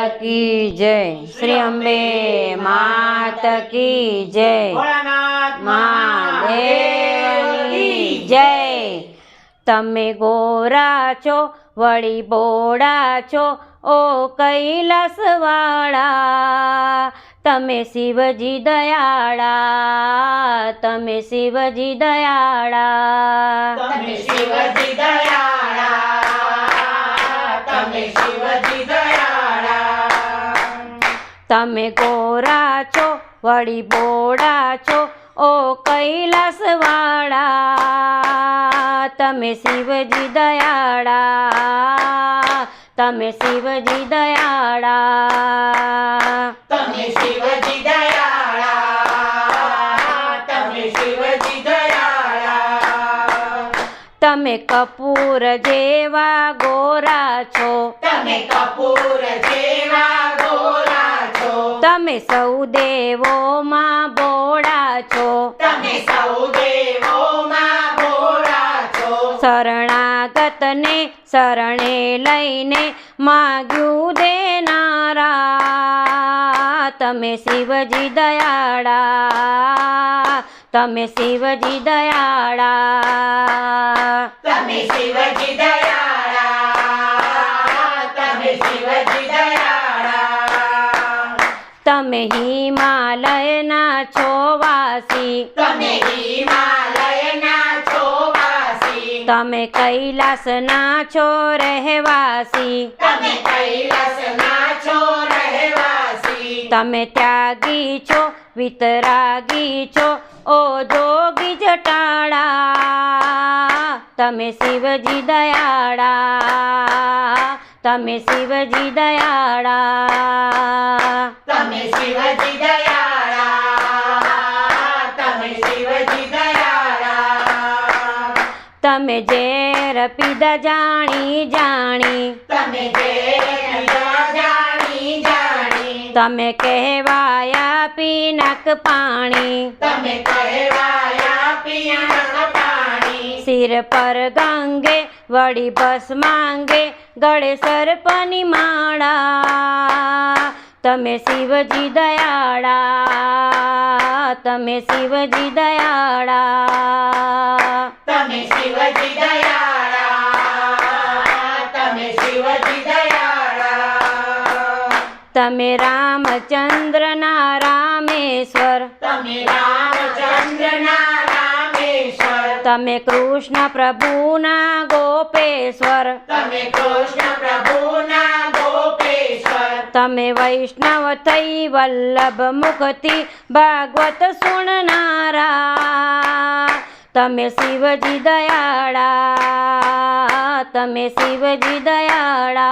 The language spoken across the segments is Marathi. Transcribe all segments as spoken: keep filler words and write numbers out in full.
की जय। श्री अंबे मात की जय। महादेवनी जय। तमे गोरा छो वળી बोड़ा छो ओ कैलासवाळा, तमे शिवजी दयाळा, तमे शिवजी दयाळा, तमे शिवजी दयाळा, तमे शिवजी दयाळा। तमे गोरा छो वળી बोड़ा छो ओ कैलासवाळा, तमे शिवजी दयाळा, तमे शिवजी दयाळा, तमे शिवजी दयाळा, तमे शिवजी दयाळा। तमे कपूर जेवा गोरा छो, तमे कपूर जेवा गोरा छो, तमे सौ देवो मां बोड़ा छो, तमे सौ देवो मां बोड़ा छो। शरणागत ने शरणे लईने माग्यू देनारा, तमे शिवजी दयाळा, तमे शिवजी दयाळा, तमे शिवजी दयाळा, तमे शिवजी दयाळा। तमे हिमालयना छो वासी, तमे हिमालयना छो वासी, तमे कैलासना छो रहवासी, तमे कैलासना छो रहवासी। तमे त्यागी छो वितरागी छो ओ जोगी जटाळा, तमे शिवजी दयाळा, तमे शिवजी दयाळा, तमे शिवजी दयाळा, तमे शिवजी दयाळा। तमे जेर पीधा जाणी जाणी, तमे जेर जाणी जाणी, तमे कहवाया पीनक पाणी, तमे कहवाया पियणक पाणी। सिर पर गंगे वड़ी बस मांगे गळे सर्पनी माळा, तमे शिवजी दयाळा, तमे शिवजी दयाळा, तमे शिवजी दयाळा, तमे शिवजी दयाळा। तमे रामचंद्र ना रामेश्वर, तमे रामचंद्र ना रामेश्वर, तमे कृष्ण प्रभु ना गोपेश्वर, तमे कृष्ण प्रभु ना गोपेश्वर। तमे वैष्णव थई वल्लभ मुक्ति भागवत सुननारा, तमे शिवजी दयाळा, तमे शिवजी दयाळा,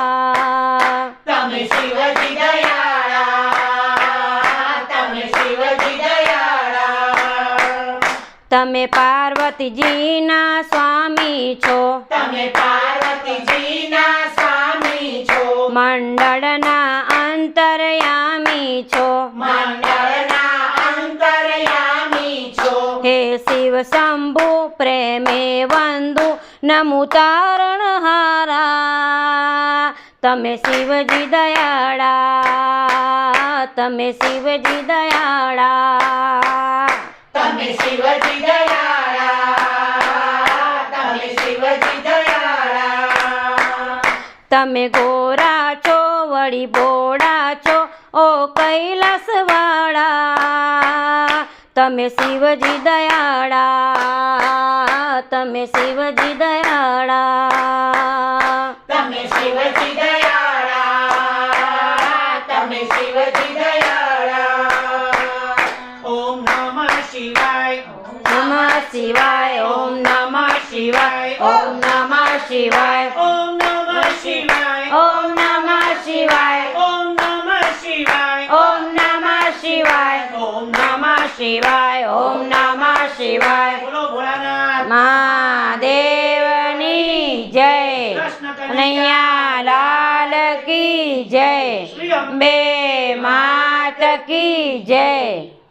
तमे शिवजी दयाळा, तमे शिवजी दयाळा। तमे पार्वती जी ना स्वामी छो, तमे पार्वती जी ना स्वामी छो, मंडळ ना अंतर्यामी छो, मंडळ ना अंतर्यामी छो। हे शिव शंभु प्रेमे वंदु नमु तारणहारा, तमे शिवजी दयाळा, तमे शिवजी दयाळा, तमे शिवजी दयाळा, तमे शिवजी दयाळा। तमे गोरा छो वળી बोड़ा छो ओ कैलासवाळा, तमे शिवजी दयाळा, तमे शिवजी दयाळा, तमे शिवजी दयाळा, तमे शिवजी दयाळा। ओम नमः शिवाय, नमः शिवाय, ओम नमः शिवाय, ओम नमः शिवाय, ओम नमः शिवाय, ओम नमः शिवाय, ओम नमः शिवाय, ओम नमः शिवाय, ओम नमः शिवाय, ओम नमः शिवाय। बोलो भोलानाथ महादेवनी जय। कृष्ण कन्हैया कन्हैया लाल की जय। श्री अंबे बे मात की जय।